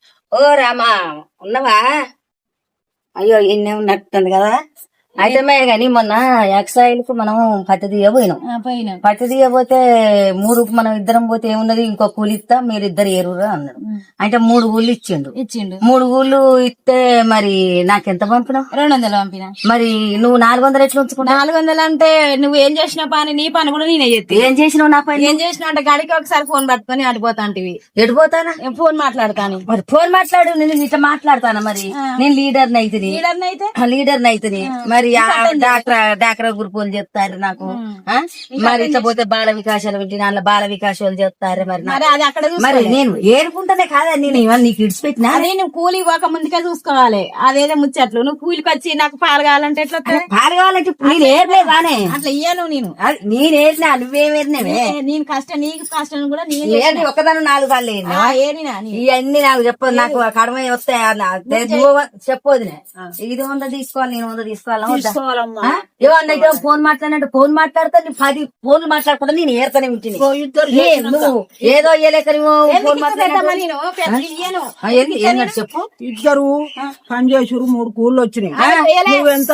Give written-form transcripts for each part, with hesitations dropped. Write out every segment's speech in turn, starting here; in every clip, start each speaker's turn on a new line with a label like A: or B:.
A: ఓ రామా ఉన్నవా? అయ్యో ఇన్నే ఉన్నట్టుంది కదా. అయితే గాని మొన్న ఎక్సైల్ కు మనం పత్తి తీయబోయినాం. పత్తి తీయబోతే 3 మనం ఇద్దరం పోతే ఏమున్నది, ఇంకో కూలి ఇస్తా మీరిద్దరు ఏరురా అన్నాడు. అంటే 3 కూళ్ళు ఇచ్చిండు. 3 కూళ్ళు ఇస్తే మరి నాకెంత పంపినావు?
B: 200 పంపినా.
A: మరి నువ్వు 400 ఎట్లా ఉంచుకున్నా?
B: 400 అంటే నువ్వు ఏం చేసిన పని, నీ పని కూడా నేనే చేస్తే.
A: ఏం చేసినావు నా పని?
B: ఏం చేసినావు అంటే గడికి ఒకసారి ఫోన్ పట్టుకొని అడిపోతాంటివి.
A: ఎడిపోతానా?
B: ఫోన్ మాట్లాడతాను.
A: మరి ఫోన్ మాట్లాడు, నేను ఇట్లా మాట్లాడతానా? మరి నేను లీడర్ని అయితేని, లీడర్ని అయితేని మరి డాక్రా గ్రూపులు చెప్తారు నాకు. మరి ఇట్లా పోతే బాల వికాసాలు పెట్టి అందులో బాల వికాసాలు చెప్తారు. మరి నేను ఏరుకుంటానే కాదా, నేను ఇవన్నీ నీకు ఇడిచిపెట్టినా?
B: నేను కూలి పోక ముందుకే చూసుకోవాలి. అదేదో ముచ్చట్లు. నువ్వు కూలికి వచ్చి నాకు పాలు కావాలంటే ఎట్లా?
A: పాలు కావాలంటే నేను ఏర్లేదానే,
B: అట్లా ఇయ్యను.
A: నేను ఏరినా, నువ్వేమేరినవే.
B: నేను కష్టం, నీకు కష్టం కూడా
A: నేను ఒక్కదాన్ని 4 సార్లు ఏరినా. ఇవన్నీ నాకు చెప్పదు, నాకు కడమ వస్తాయి చెప్పొద్దు. ఇది 100 తీసుకోవాలి, నేను 100 తీసుకోవాలి. ఏమన్నా ఫోన్ మాట్లాడినట్టు ఫోన్ మాట్లాడతా 10 ఫోన్లు మాట్లాడకుండా నేను ఏర్తనే ఉంటుంది. నువ్వు ఏదో ఇయ్యలేక ఫోన్ మాట్లాడినట్టు చెప్పు.
C: ఇద్దరు పని చేసురు, 3 కూళ్ళు వచ్చినాయి. నువ్వు ఎంత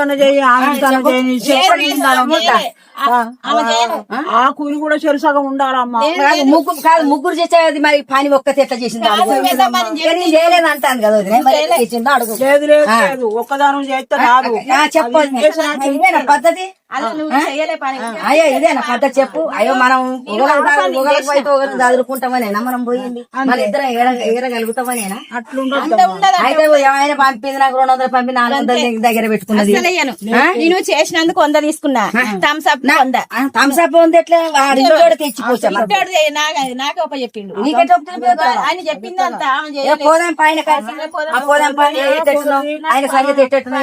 C: ఆ కూలి కూడా చెరుసగం ఉండాలమ్మా.
A: ముగ్గురు చేసేది మరి పని ఒక్కతే ఎట్లా చేసింది? చేయలేదు అంటాను కదా. అడుగు.
C: లేదు లేదు, ఒక్కదానం చేస్తే రాదు.
A: చెప్పండి పద్ధతి. అయ్యో ఇదేనా పద్ధతి? చెప్పు. అయ్యో మనం చదువుకుంటామనేనా మనం పోయింది? మన ఇద్దరం ఏరగలుగుతామనేనా?
C: అట్లుండదు.
A: అయితే ఏమైనా పంపింది నాకు 200 పంపి 400 దగ్గర పెట్టుకున్నది.
B: నేను చేసినందుకు 100 తీసుకున్నా. థమ్స్అప్
A: ఉంది ఎట్లా తెచ్చిపోతా
B: నాకే ఒక చెప్పిండు.
A: ఆయన
B: చెప్పిందంతా
A: పోదాం పైన పోదాం పైన ఆయన సంగతి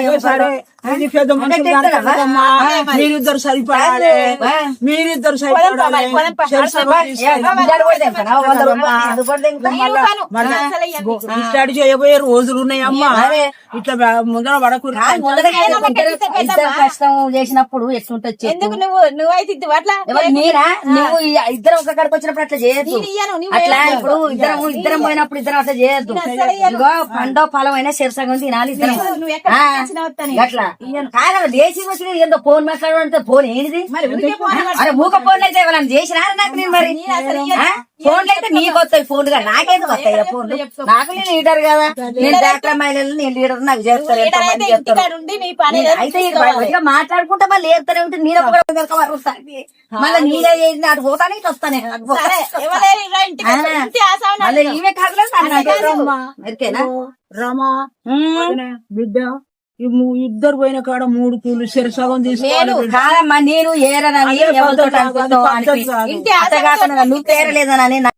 C: మీరిద్దరు సరిపడాలి, మీరిద్దరు సరిపడాలి. ఇట్లాంటి చేయబోయే రోజులు ఉన్నాయమ్మా. ఇట్లా ముందర పడకూడదు.
A: కష్టం చేసినప్పుడు ఎట్లుంటది?
B: ఎందుకు నువ్వైతే అట్లా
A: మీరా? నువ్వు ఇద్దరం ఒక కాడికి వచ్చినప్పుడు అట్లా చేయొద్దు. అట్లా ఇప్పుడు ఇద్దరం పోయినప్పుడు ఇద్దరం అట్లా చేయొద్దు. ఇగో పండో ఫలం అయినా శిరసగం తినాలి ఇద్దరం. అట్లా కాదా దేశీ వచ్చిన ఏందో ఫోన్ మాట్లాడాలంటే ఫోన్ ఏంటిది? అరే మూక ఫోన్లు అయితే ఎవరైనా చేసినా నాకు? నేను మరి ఫోన్లు అయితే నీకు వస్తాయి, ఫోన్ గా నాకేదో వస్తాయి ఫోన్లు. నాకు నేను లీడర్ కదా, నేను డాక్టర్ మహిళలు, నేను లీడర్ నాకు చేస్తారు. అయితే మాట్లాడుకుంటా మళ్ళీ ఏరుతానే ఉంటే నేను మళ్ళీ నీదే చేసి అటు పోతానే ఇటు వస్తానే. మళ్ళీ ఈమె కాదులే
C: రమా బిడ్డ, ఇద్దరు పోయిన కాడ 3 కూలు శిరసగం తీసుకోవాలి.
A: కాదమ్మా, నేను ఏరనని ఎవరితో నువ్వు పేరలేదనని